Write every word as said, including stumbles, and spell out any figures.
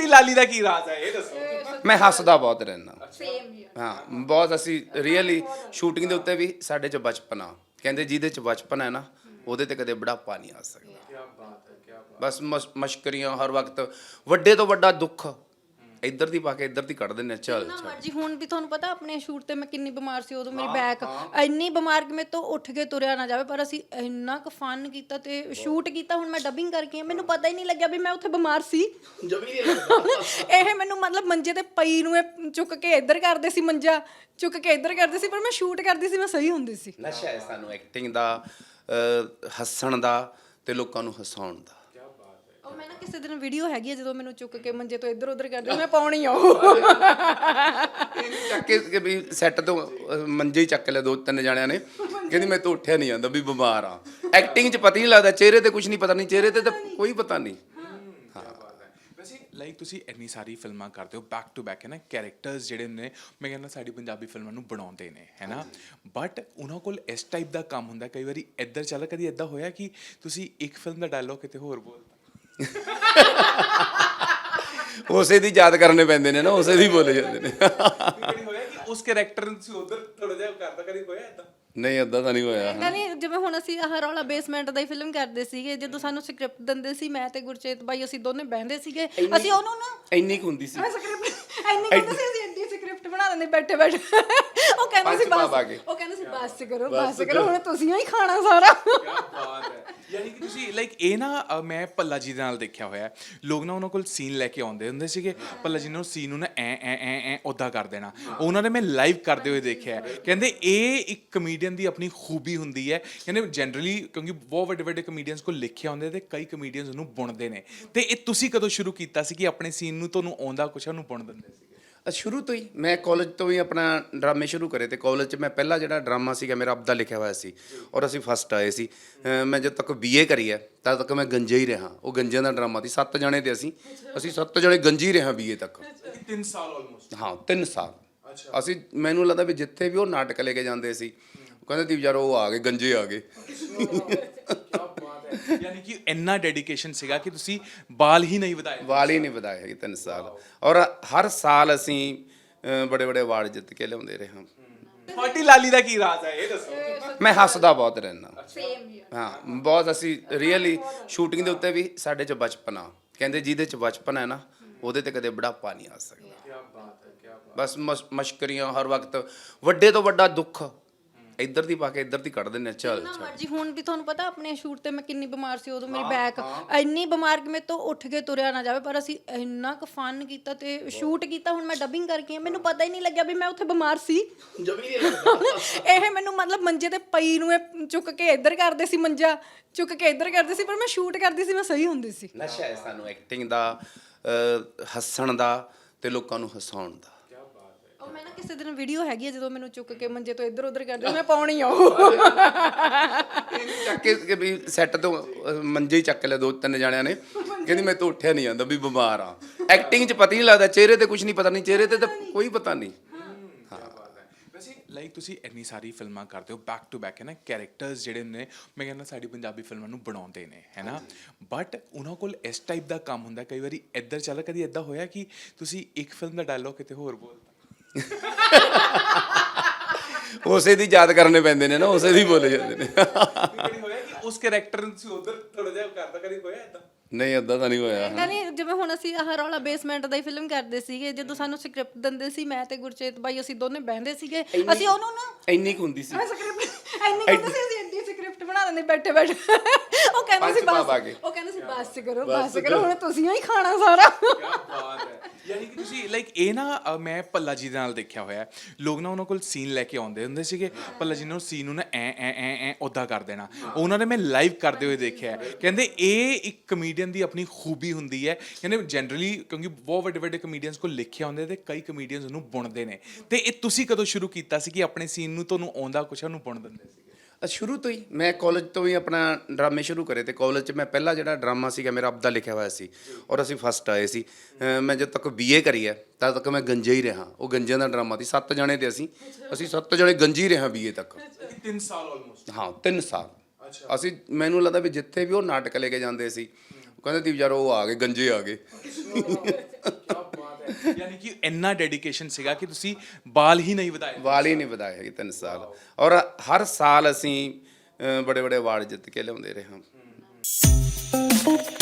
ਤੁਹਾਡੀ ਲਾਲੀ ਦਾ ਕੀ ਰਾਜ਼ ਹੈ ਇਹ ਦੱਸੋ। ਮੈਂ ਹੱਸਦਾ ਬਹੁਤ ਰਹਿਣਾ। ਸੇਮ ਹੀ ਹਾਂ ਬਹੁਤ ਅਸੀਂ ਰੀਅਲੀ ਸ਼ੂਟਿੰਗ ਦੇ ਉੱਤੇ ਵੀ ਸਾਡੇ 'ਚ ਬਚਪਨ ਆ, ਕਹਿੰਦੇ ਜਿਹਦੇ 'ਚ ਬਚਪਨ ਹੈ ਨਾ ਉਹਦੇ ਤੇ ਕਦੇ ਬੁਢਾਪਾ ਨਹੀਂ ਆ ਸਕਦਾ। ਕੀ ਬਾਤ ਹੈ, ਕੀ ਬਾਤ। ਬਸ ਮਸ ਮਸ਼ਕਰੀਆਂ ਹਰ ਵਕਤ, ਵੱਡੇ ਤੋਂ ਵੱਡਾ ਦੁੱਖ ਇੱਧਰ ਦੀ ਪਾ ਕੇ ਇੱਧਰ ਦੀ ਕੱਢ ਦਿੰਦੇ ਆ। ਚੱਲ ਨਾ ਚੱਲ ਮਰਜੀ ਹੁਣ ਵੀ ਤੁਹਾਨੂੰ ਪਤਾ ਆਪਣੇ ਸ਼ੂਟ ਤੇ ਮੈਂ ਕਿੰਨੀ ਬਿਮਾਰ ਸੀ ਉਦੋਂ, ਮੇਰੀ ਬੈਕ ਇੰਨੀ ਬਿਮਾਰ ਕਿ ਮੇਰੇ ਤੋਂ ਉੱਠ ਕੇ ਤੁਰਿਆ ਨਾ ਜਾਵੇ, ਪਰ ਅਸੀਂ ਇੰਨਾ ਕੁ ਫਨ ਕੀਤਾ ਤੇ ਸ਼ੂਟ ਕੀਤਾ। ਹੁਣ ਮੈਂ ਡਬਿੰਗ ਕਰਕੇ ਆਈ, ਮੈਨੂੰ ਪਤਾ ਹੀ ਨਹੀਂ ਲੱਗਿਆ ਵੀ ਮੈਂ ਉੱਥੇ ਬਿਮਾਰ ਸੀ। ਇਹ ਮੈਨੂੰ ਮਤਲਬ ਮੰਜੇ ਤੇ ਪਈ ਨੂੰ ਇਹ ਚੁੱਕ ਕੇ ਇੱਧਰ ਕਰਦੇ ਸੀ, ਮੰਜਾ ਚੁੱਕ ਕੇ ਇੱਧਰ ਕਰਦੇ ਸੀ, ਪਰ ਮੈਂ ਸ਼ੂਟ ਕਰਦੀ ਸੀ, ਮੈਂ ਸਹੀ ਹੁੰਦੀ ਸੀ। ਨਸ਼ਾ ਹੈ ਸਾਨੂੰ ਐਕਟਿੰਗ ਦਾ, ਅਹ, ਹੱਸਣ ਦਾ ਤੇ ਲੋਕਾਂ ਨੂੰ ਹਸਾਉਣ ਦਾ। ਉਹ ਮੈਂ ਨਾ ਕਿਸੇ ਦਿਨ ਵੀਡੀਓ ਹੈਗੀ ਹੈ ਜਦੋਂ ਮੈਨੂੰ ਚੁੱਕ ਕੇ ਮੰਜੇ ਤੋਂ ਇੱਧਰ ਉੱਧਰ ਕਰਦੇ, ਮੈਂ ਪਾਉਣੀ ਆ ਉਹ ਚੱਕ ਕੇ ਕਿ ਵੀ ਸੈੱਟ ਤੋਂ ਅਹ, ਮੰਜੇ ਹੀ ਚੱਕ ਲਿਆ ਦੋ ਤਿੰਨ ਜਾਣਿਆਂ ਨੇ, ਕਹਿੰਦੀ ਮੈਂ ਤਾਂ ਉੱਠਿਆ ਨਹੀਂ ਜਾਂਦਾ ਵੀ ਬਿਮਾਰ ਆ। ਐਕਟਿੰਗ 'ਚ ਪਤਾ ਹੀ ਨਹੀਂ ਲੱਗਦਾ, ਚਿਹਰੇ ਤੇ ਕੁਝ ਨਹੀਂ ਪਤਾ, ਨਹੀਂ ਚਿਹਰੇ ਤੇ ਤਾਂ ਕੋਈ ਪਤਾ ਨਹੀਂ। ਵੈਸੇ ਲਾਈਕ ਤੁਸੀਂ ਇੰਨੀ ਸਾਰੀ ਫਿਲਮਾਂ ਕਰਦੇ ਹੋ ਬੈਕ ਟੂ ਬੈਕ, ਹੈ ਨਾ, ਕੈਰੈਕਟਰਸ ਜਿਹੜੇ ਨੇ ਮੈਂ ਕਹਿੰਦਾ ਸਾਡੀ ਪੰਜਾਬੀ ਫਿਲਮਾਂ ਨੂੰ ਬਣਾਉਂਦੇ ਨੇ, ਹੈ ਨਾ, ਬਟ ਉਹਨਾਂ ਕੋਲ ਇਸ ਟਾਈਪ ਦਾ ਕੰਮ ਹੁੰਦਾ। ਕਈ ਵਾਰੀ ਇੱਧਰ ਚੱਲ, ਕਦੀ ਇੱਦਾਂ ਹੋਇਆ ਕਿ ਤੁਸੀਂ ਇੱਕ ਫਿਲਮ ਦਾ ਡਾਇਲੋਗ ਕਿਤੇ ਹੋਰ ਬੋਲਤਾ? ਉਸੇ ਦੀ ਯਾਦ ਕਰਨੇ ਪੈਂਦੇ ਨੇ ਨਾ, ਉਸੇ ਦੀ ਬੋਲੇ ਜਾਂਦੇ ਨੇ। ਕਦੀ ਹੋਇਆ ਕਿ ਉਸ ਕੈਰੈਕਟਰ ਨੂੰ ਤੁਸੀਂ ਉਧਰ ਥੋੜਾ ਜਿਹਾ ਕਰਦਾ, ਕਦੀ ਹੋਇਆ ਇੱਦਾਂ? ਨਹੀਂ ਏਦਾਂ ਤਾਂ ਨਹੀਂ ਹੋਇਆ। ਨਹੀਂ ਜਿਵੇਂ ਹੁਣ ਅਸੀਂ ਆਹ ਰੌਲਾ ਬੇਸਮੈਂਟ ਦਾ ਹੀ ਫਿਲਮ ਕਰਦੇ ਸੀਗੇ, ਜਦੋਂ ਸਾਨੂੰ ਸਕ੍ਰਿਪਟ ਦਿੰਦੇ ਸੀ ਮੈਂ ਤੇ ਗੁਰਚੇਤ ਬਾਈ, ਅਸੀਂ ਦੋਨੇ ਬਹਿੰਦੇ ਸੀਗੇ, ਅਸੀਂ ਉਹਨੂੰ ਨਾ ਇੰਨੀ ਕੁ ਹੁੰਦੀ ਸੀ ਸਕ੍ਰਿਪਟ ਇੰਨੀ ਕਹਿੰਦੇ ਸੀ, ਅਸੀਂ ਐਡੀ ਸਕ੍ਰਿਪਟ ਬਣਾ ਦਿੰਦੇ ਬੈਠੇ ਬੈਠੇ। ਉਹ ਕਹਿੰਦੇ ਸੀ ਬਸ, ਉਹ ਕਹਿੰਦੇ ਸੀ ਬਸ ਕਰੋ ਬਸ ਕਰੋ, ਹੁਣ ਤੁਸੀਂ ਹੀ ਖਾਣਾ ਸਾਰਾ। ਕੀ ਬਾਤ ਹੈ। ਯਾਨੀ ਕਿ ਤੁਸੀਂ ਲਾਈਕ ਇਹ ਨਾ ਅ, ਮੈਂ ਭੱਲਾ ਜੀ ਦੇ ਨਾਲ ਦੇਖਿਆ ਹੋਇਆ, ਲੋਕ ਨਾ ਉਹਨਾਂ ਕੋਲ ਸੀਨ ਲੈ ਕੇ ਆਉਂਦੇ ਹੁੰਦੇ ਸੀਗੇ, ਭੱਲਾ ਜੀ ਨੇ ਉਹ ਸੀਨ ਨੂੰ ਨਾ ਐ ਐ ਐ ਐ ਉੱਦਾਂ ਕਰ ਦੇਣਾ। ਉਹਨਾਂ ਨੇ ਮੈਂ ਲਾਈਵ ਕਰਦੇ ਹੋਏ ਦੇਖਿਆ। ਕਹਿੰਦੇ ਇਹ ਇੱਕ ਕਮੇਡੀਅਨ ਦੀ ਆਪਣੀ ਖੂਬੀ ਹੁੰਦੀ ਹੈ। ਕਹਿੰਦੇ ਜਨਰਲੀ ਕਿਉਂਕਿ ਬਹੁਤ ਵੱਡੇ ਵੱਡੇ ਕਮੇਡੀਅਨਸ ਕੋਲ ਲਿਖਿਆ ਹੁੰਦੇ ਤੇ ਕਈ ਕਮੇਡੀਅਨਸ ਉਹਨੂੰ ਬੁਣਦੇ ਨੇ, ਤੇ ਇਹ ਤੁਸੀਂ ਕਦੋਂ ਸ਼ੁਰੂ ਕੀਤਾ ਸੀ ਕਿ ਆਪਣੇ ਸੀਨ ਨੂੰ ਤੁਹਾਨੂੰ ਆਉਂਦਾ ਕੁਛ ਉਹਨੂੰ ਬੁਣ ਦਿੰਦੇ ਸੀ? ਸ਼ੁਰੂ ਤੋਂ ਹੀ ਮੈਂ ਕਾਲਜ ਤੋਂ ਹੀ ਆਪਣਾ ਡਰਾਮੇ ਸ਼ੁਰੂ ਕਰੇ, ਤੇ ਕਾਲਜ 'ਚ ਮੈਂ ਪਹਿਲਾ ਜਿਹੜਾ ਡਰਾਮਾ ਸੀਗਾ ਮੇਰਾ ਆਪਦਾ ਲਿਖਿਆ ਹੋਇਆ ਸੀ, ਔਰ ਅਸੀਂ ਫਸਟ ਆਏ ਸੀ। ਅਹ ਮੈਂ ਜਦ ਤੱਕ ਬੀਏ ਕਰੀ ਹੈ ਤਦ ਤੱਕ ਮੈਂ ਗੰਜੇ ਹੀ ਰਿਹਾ। ਉਹ ਗੰਜਿਆਂ ਦਾ ਡਰਾਮਾ ਸੀ, ਸੱਤ ਜਣੇ ਤੇ ਅਸੀਂ ਅਸੀਂ ਸੱਤ ਜਣੇ ਗੰਜੀ ਰਿਹਾ ਬੀਏ ਤੱਕ। ਤਿੰਨ ਸਾਲ ਆਲਮੋਸਟ? ਹਾਂ ਤਿੰਨ ਸਾਲ। ਅਸੀਂ ਮੈਨੂੰ ਲੱਗਦਾ ਵੀ ਜਿੱਥੇ ਵੀ ਉਹ ਨਾਟਕ ਲੈ ਕੇ ਜਾਂਦੇ ਸੀ, ਉਹ ਕਹਿੰਦੇ ਸੀ ਯਾਰ ਉਹ ਆ ਗਏ ਗੰਜੇ ਆ ਗਏ। ਯਾਨੀ ਕਿ ਇੰਨਾ ਡੈਡੀਕੇਸ਼ਨ ਸੀਗਾ ਕਿ ਤੁਸੀਂ ਬਾਲ ਹੀ ਨਹੀਂ ਵਧਾਏ? ਵਾਲ ਹੀ ਨਹੀਂ ਵਧਾਏ ਹੈਗੇ ਤਿੰਨ ਸਾਲ, ਔਰ ਹਰ ਸਾਲ ਅਸੀਂ ਬੜੇ ਬੜੇ ਅਵਾਰਡ ਜਿੱਤ ਕੇ ਲਿਆਉਂਦੇ ਰਹੇ ਹਾਂ। ਤੁਹਾਡੀ ਲਾਲੀ ਦਾ ਕੀ ਰਾਜ਼ ਹੈ ਇਹ ਦੱਸੋ। ਮੈਂ ਹੱਸਦਾ ਬਹੁਤ ਰਹਿਣਾ। ਸੇਮ ਹੀ ਹਾਂ ਬਹੁਤ ਅਸੀਂ ਰੀਅਲੀ ਸ਼ੂਟਿੰਗ ਦੇ ਉੱਤੇ ਵੀ ਸਾਡੇ 'ਚ ਬਚਪਨ ਆ, ਕਹਿੰਦੇ ਜਿਹਦੇ 'ਚ ਬਚਪਨ ਹੈ ਨਾ ਉਹਦੇ ਤੇ ਕਦੇ ਬੁਢਾਪਾ ਨਹੀਂ ਆ ਸਕਦਾ। ਕੀ ਬਾਤ ਹੈ, ਕੀ ਬਾਤ। ਬਸ ਮਸ ਮਸ਼ਕਰੀਆਂ ਹਰ ਵਕਤ, ਵੱਡੇ ਤੋਂ ਵੱਡਾ ਦੁੱਖ ਇੱਧਰ ਦੀ ਪਾ ਕੇ ਇੱਧਰ ਦੀ ਕੱਢ ਦਿੰਦੇ ਆ। ਚੱਲ ਨਾ ਚੱਲ ਮਰਜੀ ਹੁਣ ਵੀ ਤੁਹਾਨੂੰ ਪਤਾ ਆਪਣੇ ਸ਼ੂਟ ਤੇ ਮੈਂ ਕਿੰਨੀ ਬਿਮਾਰ ਸੀ ਉਦੋਂ, ਮੇਰੀ ਬੈਕ ਇੰਨੀ ਬਿਮਾਰ ਕਿ ਮੇਰੇ ਤੋਂ ਉੱਠ ਕੇ ਤੁਰਿਆ ਨਾ ਜਾਵੇ, ਪਰ ਅਸੀਂ ਇੰਨਾ ਕੁ ਫਨ ਕੀਤਾ ਤੇ ਸ਼ੂਟ ਕੀਤਾ। ਹੁਣ ਮੈਂ ਡਬਿੰਗ ਕਰਕੇ ਆਈ, ਮੈਨੂੰ ਪਤਾ ਹੀ ਨਹੀਂ ਲੱਗਿਆ ਵੀ ਮੈਂ ਉੱਥੇ ਬਿਮਾਰ ਸੀ। ਇਹ ਮੈਨੂੰ ਮਤਲਬ ਮੰਜੇ ਤੇ ਪਈ ਨੂੰ ਇਹ ਚੁੱਕ ਕੇ ਇੱਧਰ ਕਰਦੇ ਸੀ, ਮੰਜਾ ਚੁੱਕ ਕੇ ਇੱਧਰ ਕਰਦੇ ਸੀ, ਪਰ ਮੈਂ ਸ਼ੂਟ ਕਰਦੀ ਸੀ, ਮੈਂ ਸਹੀ ਹੁੰਦੀ ਸੀ। ਨਸ਼ਾ ਹੈ ਸਾਨੂੰ ਐਕਟਿੰਗ ਦਾ, ਅਹ, ਹੱਸਣ ਦਾ ਤੇ ਲੋਕਾਂ ਨੂੰ ਹਸਾਉਣ ਦਾ। ਉਹ ਮੈਂ ਨਾ ਕਿਸੇ ਦਿਨ ਵੀਡੀਓ ਹੈਗੀ ਹੈ ਜਦੋਂ ਮੈਨੂੰ ਚੁੱਕ ਕੇ ਮੰਜੇ ਤੋਂ ਇੱਧਰ ਉੱਧਰ ਕਰਦੇ, ਮੈਂ ਪਾਉਣੀ ਆ ਉਹ ਚੱਕ ਕੇ ਕਿ ਵੀ ਸੈੱਟ ਤੋਂ ਅਹ, ਮੰਜੇ ਹੀ ਚੱਕ ਲਿਆ ਦੋ ਤਿੰਨ ਜਾਣਿਆਂ ਨੇ, ਕਹਿੰਦੀ ਮੈਂ ਤਾਂ ਉੱਠਿਆ ਨਹੀਂ ਜਾਂਦਾ ਵੀ ਬਿਮਾਰ ਆ। ਐਕਟਿੰਗ 'ਚ ਪਤਾ ਹੀ ਨਹੀਂ ਲੱਗਦਾ, ਚਿਹਰੇ ਤੇ ਕੁਝ ਨਹੀਂ ਪਤਾ, ਨਹੀਂ ਚਿਹਰੇ ਤੇ ਤਾਂ ਕੋਈ ਪਤਾ ਨਹੀਂ। ਵੈਸੇ ਲਾਈਕ ਤੁਸੀਂ ਇੰਨੀ ਸਾਰੀ ਫਿਲਮਾਂ ਕਰਦੇ ਹੋ ਬੈਕ ਟੂ ਬੈਕ, ਹੈ ਨਾ, ਕੈਰੈਕਟਰਸ ਜਿਹੜੇ ਨੇ ਮੈਂ ਕਹਿੰਦਾ ਸਾਡੀ ਪੰਜਾਬੀ ਫਿਲਮਾਂ ਨੂੰ ਬਣਾਉਂਦੇ ਨੇ, ਹੈ ਨਾ, ਬਟ ਉਹਨਾਂ ਕੋਲ ਇਸ ਟਾਈਪ ਦਾ ਕੰਮ ਹੁੰਦਾ। ਕਈ ਵਾਰੀ ਇੱਧਰ ਚੱਲ, ਕਦੀ ਇੱਦਾਂ ਹੋਇਆ ਕਿ ਤੁਸੀਂ ਇੱਕ ਫਿਲਮ ਦਾ ਡਾਇਲੋਗ ਕਿਤੇ ਹੋਰ ਬੋਲਤਾ? ਉਸੇ ਦੀ ਯਾਦ ਕਰਨੇ ਪੈਂਦੇ ਨੇ ਨਾ, ਉਸੇ ਦੀ ਬੋਲੇ ਜਾਂਦੇ ਨੇ। ਕਦੀ ਹੋਇਆ ਕਿ ਉਸ ਕੈਰੈਕਟਰ ਨੂੰ ਤੁਸੀਂ ਉਧਰ ਥੋੜਾ ਜਿਹਾ ਕਰਦਾ, ਕਦੀ ਹੋਇਆ ਇੱਦਾਂ? ਨਹੀਂ ਏਦਾਂ ਤਾਂ ਨਹੀਂ ਹੋਇਆ। ਨਹੀਂ ਜਿਵੇਂ ਹੁਣ ਅਸੀਂ ਆਹ ਰੌਲਾ ਬੇਸਮੈਂਟ ਦਾ ਹੀ ਫਿਲਮ ਕਰਦੇ ਸੀਗੇ, ਜਦੋਂ ਸਾਨੂੰ ਸਕ੍ਰਿਪਟ ਦਿੰਦੇ ਸੀ ਮੈਂ ਤੇ ਗੁਰਚੇਤ ਬਾਈ, ਅਸੀਂ ਦੋਨੇ ਬਹਿੰਦੇ ਸੀਗੇ, ਅਸੀਂ ਉਹਨੂੰ ਨਾ ਇੰਨੀ ਕੁ ਹੁੰਦੀ ਸੀ ਸਕ੍ਰਿਪਟ ਇੰਨੀ ਕਹਿੰਦੇ ਸੀ, ਅਸੀਂ ਐਡੀ ਸਕ੍ਰਿਪਟ ਬਣਾ ਦਿੰਦੇ ਬੈਠੇ ਬੈਠੇ। ਉਹ ਕਹਿੰਦੇ ਸੀ ਬਸ, ਉਹ ਕਹਿੰਦੇ ਸੀ ਬਸ ਕਰੋ ਬਸ ਕਰੋ, ਹੁਣ ਤੁਸੀਂ ਹੀ ਖਾਣਾ ਸਾਰਾ। ਕੀ ਬਾਤ ਹੈ। ਯਾਨੀ ਕਿ ਤੁਸੀਂ ਲਾਈਕ ਇਹ ਨਾ ਅ, ਮੈਂ ਭੱਲਾ ਜੀ ਦੇ ਨਾਲ ਦੇਖਿਆ ਹੋਇਆ, ਲੋਕ ਨਾ ਉਹਨਾਂ ਕੋਲ ਸੀਨ ਲੈ ਕੇ ਆਉਂਦੇ ਹੁੰਦੇ ਸੀਗੇ, ਭੱਲਾ ਜੀ ਨੇ ਉਹ ਸੀਨ ਨੂੰ ਨਾ ਐ ਐ ਐ ਐ ਉੱਦਾਂ ਕਰ ਦੇਣਾ। ਉਹਨਾਂ ਨੇ ਮੈਂ ਲਾਈਵ ਕਰਦੇ ਹੋਏ ਦੇਖਿਆ। ਕਹਿੰਦੇ ਇਹ ਇੱਕ ਕਮੇਡੀਅਨ ਦੀ ਆਪਣੀ ਖੂਬੀ ਹੁੰਦੀ ਹੈ। ਕਹਿੰਦੇ ਜਨਰਲੀ ਕਿਉਂਕਿ ਬਹੁਤ ਵੱਡੇ ਵੱਡੇ ਕਮੇਡੀਅਨਸ ਕੋਲ ਲਿਖਿਆ ਹੁੰਦੇ ਤੇ ਕਈ ਕਮੇਡੀਅਨਸ ਉਹਨੂੰ ਬੁਣਦੇ ਨੇ, ਤੇ ਇਹ ਤੁਸੀਂ ਕਦੋਂ ਸ਼ੁਰੂ ਕੀਤਾ ਸੀ ਕਿ ਆਪਣੇ ਸੀਨ ਨੂੰ ਤੁਹਾਨੂੰ ਆਉਂਦਾ ਕੁਛ ਉਹਨੂੰ ਬੁਣ ਦਿੰਦੇ ਸੀ? ਸ਼ੁਰੂ ਤੋਂ ਹੀ ਮੈਂ ਕਾਲਜ ਤੋਂ ਹੀ ਆਪਣਾ ਡਰਾਮੇ ਸ਼ੁਰੂ ਕਰੇ, ਤੇ ਕਾਲਜ 'ਚ ਮੈਂ ਪਹਿਲਾ ਜਿਹੜਾ ਡਰਾਮਾ ਸੀਗਾ ਮੇਰਾ ਆਪਦਾ ਲਿਖਿਆ ਹੋਇਆ ਸੀ, ਔਰ ਅਸੀਂ ਫਸਟ ਆਏ ਸੀ। ਅਹ ਮੈਂ ਜਦ ਤੱਕ ਬੀਏ ਕਰੀ ਹੈ ਤਦ ਤੱਕ ਮੈਂ ਗੰਜੇ ਹੀ ਰਿਹਾ। ਉਹ ਗੰਜਿਆਂ ਦਾ ਡਰਾਮਾ ਸੀ, ਸੱਤ ਜਣੇ ਤੇ ਅਸੀਂ ਅਸੀਂ ਸੱਤ ਜਣੇ ਗੰਜੀ ਰਿਹਾ ਬੀਏ ਤੱਕ। ਤਿੰਨ ਸਾਲ ਆਲਮੋਸਟ? ਹਾਂ ਤਿੰਨ ਸਾਲ। ਅਸੀਂ ਮੈਨੂੰ ਲੱਗਦਾ ਵੀ ਜਿੱਥੇ ਵੀ ਉਹ ਨਾਟਕ ਲੈ ਕੇ ਜਾਂਦੇ ਸੀ, ਕਹਿੰਦੇ ਤੀ ਯਾਰ ਉਹ ਆ ਗਏ ਗੰਜੇ ਆ ਗਏ। ਯਾਨੀ ਕਿ ਇੰਨਾ ਡੈਡੀਕੇਸ਼ਨ ਸੀਗਾ ਕਿ ਤੁਸੀਂ ਬਾਲ ਹੀ ਨਹੀਂ ਵਧਾਏ। ਵਾਲ ਹੀ ਨਹੀਂ ਵਧਾਏ ਹੈਗੇ ਤਿੰਨ ਸਾਲ, ਔਰ ਹਰ ਸਾਲ ਅਸੀਂ ਬੜੇ ਬੜੇ ਅਵਾਰਡ ਜਿੱਤ ਕੇ ਲਿਆਉਂਦੇ ਰਹੇ ਹਾਂ।